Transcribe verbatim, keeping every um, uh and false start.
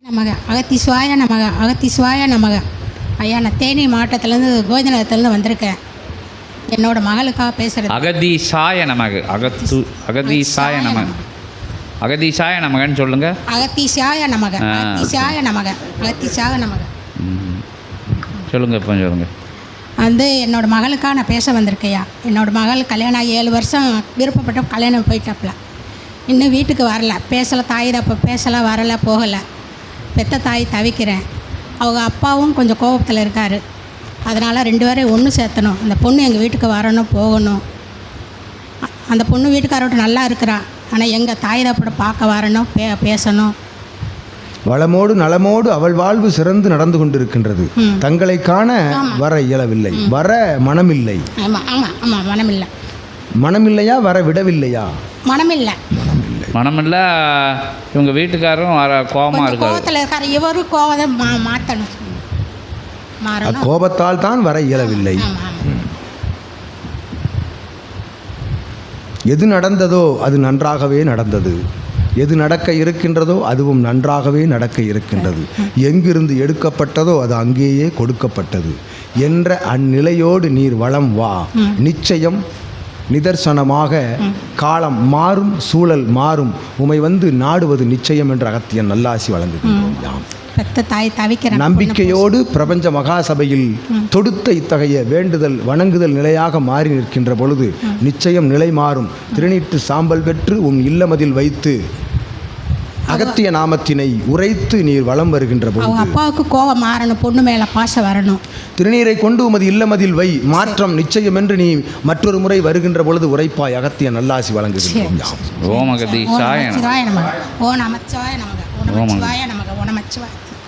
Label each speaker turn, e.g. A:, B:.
A: நமக அகத்தீஸ்வாய நமக அகத்தீஸ்வாய நமக. ஐயா, நான் தேனி மாவட்டத்துலேருந்து கோவிந்தநகரத்துலேருந்து வந்திருக்கேன். என்னோட மகளுக்காக பேசுகிறது.
B: அகதீசாய நமக. அகத்து அகதீசாய நமக. அகதீசாய நமகன்னு சொல்லுங்க.
A: அகத்தீசாய நமக அகத்தீசாய நமக அகத்தீசாய நமக
B: சொல்லுங்க. இப்போ சொல்லுங்க.
A: வந்து என்னோட மகளுக்காக நான் பேச வந்திருக்கையா. என்னோட மகள் கல்யாணம் ஆகி ஏழு வருஷம் விருப்பப்பட்ட கல்யாணம் போயிட்டாப்புல. இன்னும் வீட்டுக்கு வரல. பேசலை, தாய் தப்ப பேசலை, வரலை, போகலை. பெத்த தாய் தவிக்கிறேன். அவங்க அப்பாவும் கொஞ்சம் கோபத்தில் இருக்கார். அதனால் ரெண்டு பேரையும் ஒன்று சேர்த்தணும். அந்த பொண்ணு எங்கள் வீட்டுக்கு வரணும், போகணும். அந்த பொண்ணு வீட்டுக்காரோட நல்லா இருக்கிறா. ஆனால் எங்கள் தாய் தப்பட பார்க்க வரணும், பே பேசணும்.
C: வளமோடு நலமோடு அவள் வாழ்வு சிறந்து நடந்து கொண்டிருக்கின்றது. தங்களை காண வர இயலவில்லை, வர மனமில்லை.
A: ஆமாம் ஆமாம் ஆமாம் மனமில்லை.
C: மனமில்லையா? வர விடவில்லையா?
A: மனமில்லை.
C: மனமில்லை.
B: மனமில்லை. இவங்க வீட்டுக்காரரும் வர கோபமாக இருக்காரு.
A: கோபத்தில் இருக்கார். இவரும் கோபத்தை மா மாற்றணும் மாறணும்.
C: கோபத்தால் தான் வர இயலவில்லை. எது நடந்ததோ அது நன்றாகவே நடந்தது. எது நடக்க இருக்கின்றதோ அதுவும் நன்றாகவே நடக்க இருக்கின்றது. எங்கிருந்து எடுக்கப்பட்டதோ அது அங்கேயே கொடுக்கப்பட்டது என்ற அந்நிலையோடு நீர் வளம் வா. நிச்சயம் நிதர்சனமாக காலம் மாறும், சூழல் மாறும். உமை வந்து நாடுவது நிச்சயம் என்ற அகத்தியன் நல்லாசி வழங்குகின்றோம். நம்பிக்கையோடு பிரபஞ்ச மகாசபையில் தொடுத்த இத்தகைய வேண்டுதல் வணங்குதல் நிலையாக மாறி நிற்கின்ற பொழுது நிச்சயம் நிலை மாறும். திருநீற்று சாம்பல் பெற்று உன் இல்லமதில் வைத்து அகத்திய நாமத்தினை உரைத்து நீர் வலம் வருகின்ற பொழுது
A: அப்பாவுக்கு கோபம் மாறணும், பொண்ணு மேல பாசம் வரணும்.
C: திருநீரை கொண்டு உமது இல்லமதில் வை. மாற்றம் நிச்சயம் என்று நீ மற்றொரு முறை வருகின்ற பொழுது உரைப்பாய். அகத்திய நல்லாசி வழங்குகின்றோம்.
B: ஓம் அகதீசாய நமக.
A: ஓ நமச்சிவாய நமக. ஓ நமச்சிவாய நமக. ஓ நமச்சிவாய.